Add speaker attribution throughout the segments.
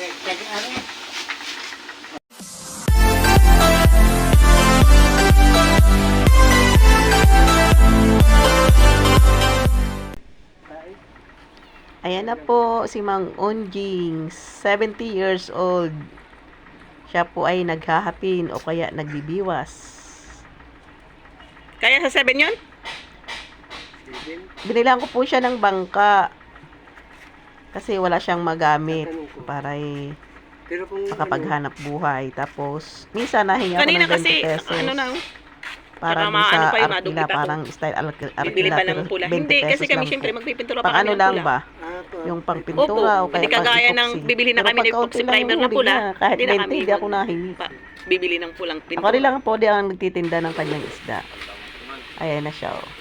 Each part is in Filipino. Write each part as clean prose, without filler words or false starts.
Speaker 1: Ayan na po si Mang Onjing, 70 years old. Siya po ay naghahapin o kaya nagbibiwas. Kaya sa 7 yun? Binilang ko po siya ng bangka. Kasi wala siyang magamit para makapaghanap buhay. Tapos, minsan nahinga ako ng 20 pesos. Ano na? Parang sa arkila, parang style arkila, pero 20 pesos lang po. Pang ano lang ba? Yung pang pintura o kaya pang epoxy.
Speaker 2: Bibili na kami ng epoxy primer na pula.
Speaker 1: Kahit 20, hindi ako nahingi.
Speaker 2: Bibili ng pulang pintura.
Speaker 1: Ako rin lang po di ang nagtitinda ng kanyang isda. Ayan na siya, oh.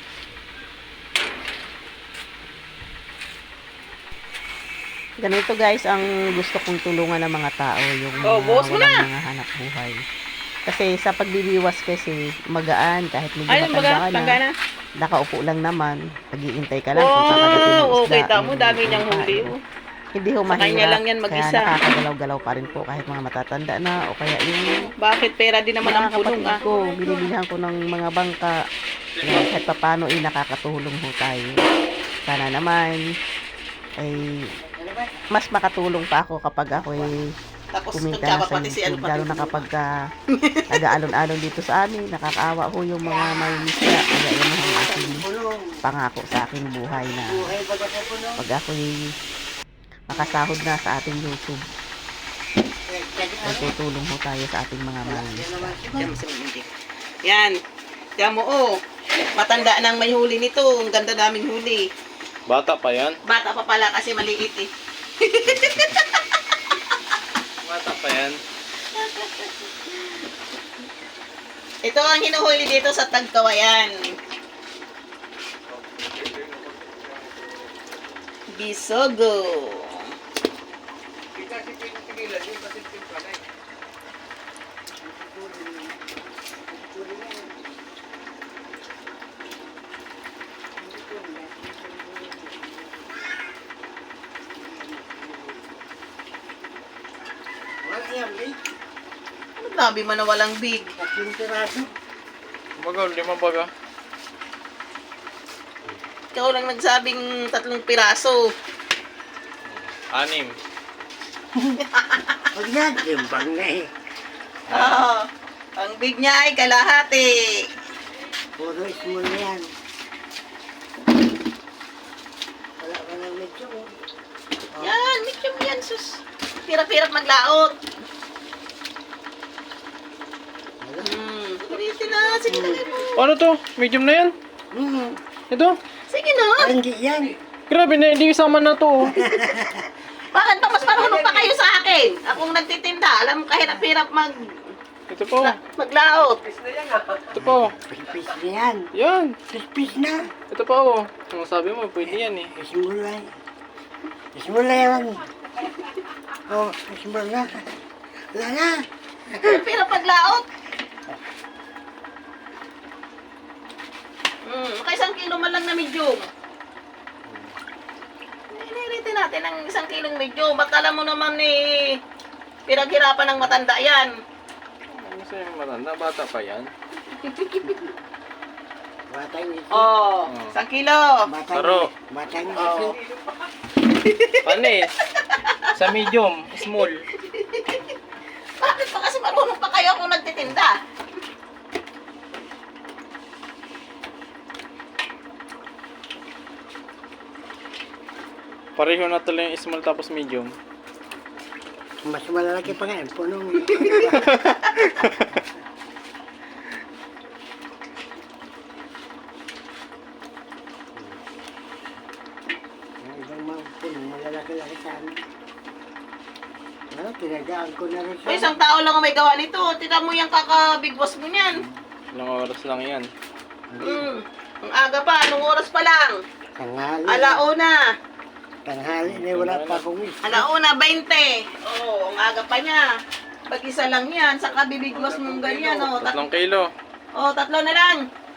Speaker 1: Ganito guys, ang gusto kong tulungan ng mga tao, yung walang mga hanap buhay. Kasi sa pagbibiwas kasi magaan, kahit medyo matanda ka na, nakaupo lang naman, nag-iintay ka lang kung kakagatin ng isda.
Speaker 2: Okay, tamo, dami niyang huli.
Speaker 1: Hindi ho mahirap, kaya nakakagalaw-galaw pa rin po kahit mga matatanda na, o kaya yung...
Speaker 2: Bakit pera din naman ang punong
Speaker 1: ko, binibilihan ko ng mga bangka, kahit pa paano nakakatulong ho tayo. Sana naman, ay mas makatulong pa ako kapag ako kumita sa YouTube, lalo na kapag nag-aalon-alon dito sa amin, nakakaawa ho yung mga may misya, kaya yun ang aking pangako sa aking buhay na pag ako'y makasahod na sa ating YouTube, tutulong ho tayo sa ating mga may misya.
Speaker 2: Yan, tiyan mo matanda nang may huli nito, ang ganda naming huli.
Speaker 3: Bata pa yan?
Speaker 2: Bata pa pala kasi maliit eh.
Speaker 3: Bata pa yan?
Speaker 2: Ito ang hinuhuli dito sa Tagkawayan. Bisogo. Ano grabe man na walang big?
Speaker 3: Baga, 5 baga.
Speaker 2: Ikaw lang nagsabing 3 piraso.
Speaker 3: 6.
Speaker 4: Huwag na, timbang na eh.
Speaker 2: Oo. Ang big niya ay kalahati.
Speaker 4: Puro small na yan. Wala ka ng medyo.
Speaker 2: Yan, medium yan, sus. Hirap-hirap maglaot. Ulitin na. Sige na,
Speaker 3: Ano to? Medium na yan? Ito?
Speaker 2: sige na.
Speaker 4: Ay, hindi yan.
Speaker 3: Grabe na, hindi isama na to.
Speaker 2: Bakit ba mas marunong pa kayo sa akin? Akong nagtitinda. Alam mo, kahirap-hirap
Speaker 3: Ito po.
Speaker 2: maglaot.
Speaker 3: Ito po.
Speaker 4: Pispis na yan.
Speaker 3: Yan.
Speaker 4: Pispis na.
Speaker 3: Ito po. Ang sabi mo, pwede yan eh.
Speaker 4: Small na. Small na yan. Oh, small na. Wala na.
Speaker 2: Hirap maglaot. Maka 1 kilo man lang na medium. Iniritin natin ang 1 kilong medium. Ba't alam mo naman pinaghirapan ng matanda yan.
Speaker 3: Ano sa'yo matanda? Bata pa yan?
Speaker 4: Batang isip.
Speaker 2: 1 kilo.
Speaker 3: Taro.
Speaker 4: Batang isip.
Speaker 3: Panis. Sa medium. Small.
Speaker 2: Bakit pa kasi marunong pa kayo kung nagtitinda?
Speaker 3: Pareho na tuloy yung small tapos medium.
Speaker 4: Mas malalaki pa nga. Punong. Ibang mga punong malalaki-laki sa amin. Tinagaan ko na rin
Speaker 2: May 1 tao lang ang may gawa nito. Tignan mo yung kaka-big boss mo niyan.
Speaker 3: Ilang oras lang yan.
Speaker 2: Ang aga pa. Anong oras pa lang?
Speaker 4: Tanghali.
Speaker 2: Alauna.
Speaker 4: Tanghali na wala pa akong isa.
Speaker 2: Alauna, 20. Ang aga pa niya. Pag isa lang yan, saka bibigwas mong ganyan.
Speaker 3: 3 kilo.
Speaker 2: 3 na lang.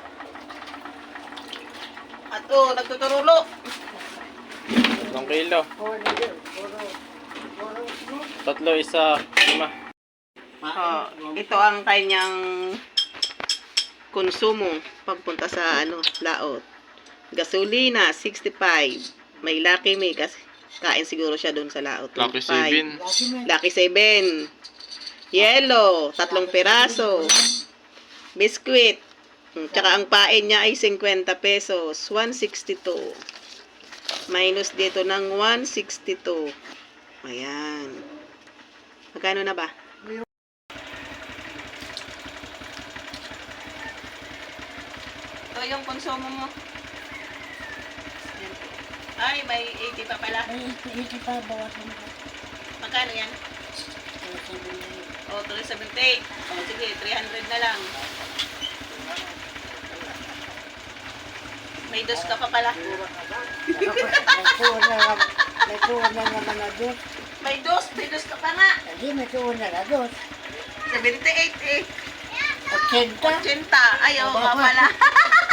Speaker 2: At nagtuturulo.
Speaker 3: 3 kilo.
Speaker 4: Oh, ano yun? Puro
Speaker 3: Tatlo, isa, 5.
Speaker 2: Oh, ito ang kanyang konsumo pagpunta sa laot. Gasolina 65. May Lucky Me kasi kain siguro siya doon sa laot.
Speaker 3: Lucky
Speaker 2: 25.
Speaker 3: 7.
Speaker 2: Lucky 7. Yellow, 3 piraso. Biscuit. Tsaka ang pain niya ay 50 pesos. 162. Minus dito ng 162. Ayan. Magkano na ba? Ito yung konsumo mo. Ay, may 80 pa pala.
Speaker 4: Ay, ito pa, bawasan ko.
Speaker 2: Magkano yan? O, 378. O, sige, 300 na lang. May dos ka pa pala.
Speaker 4: May tuon na naman na dos.
Speaker 2: May dos ka pa nga.
Speaker 4: Hindi, may tuon na na dos.
Speaker 2: 78 eh.
Speaker 4: 80.
Speaker 2: 80. Ay, oo nga pala.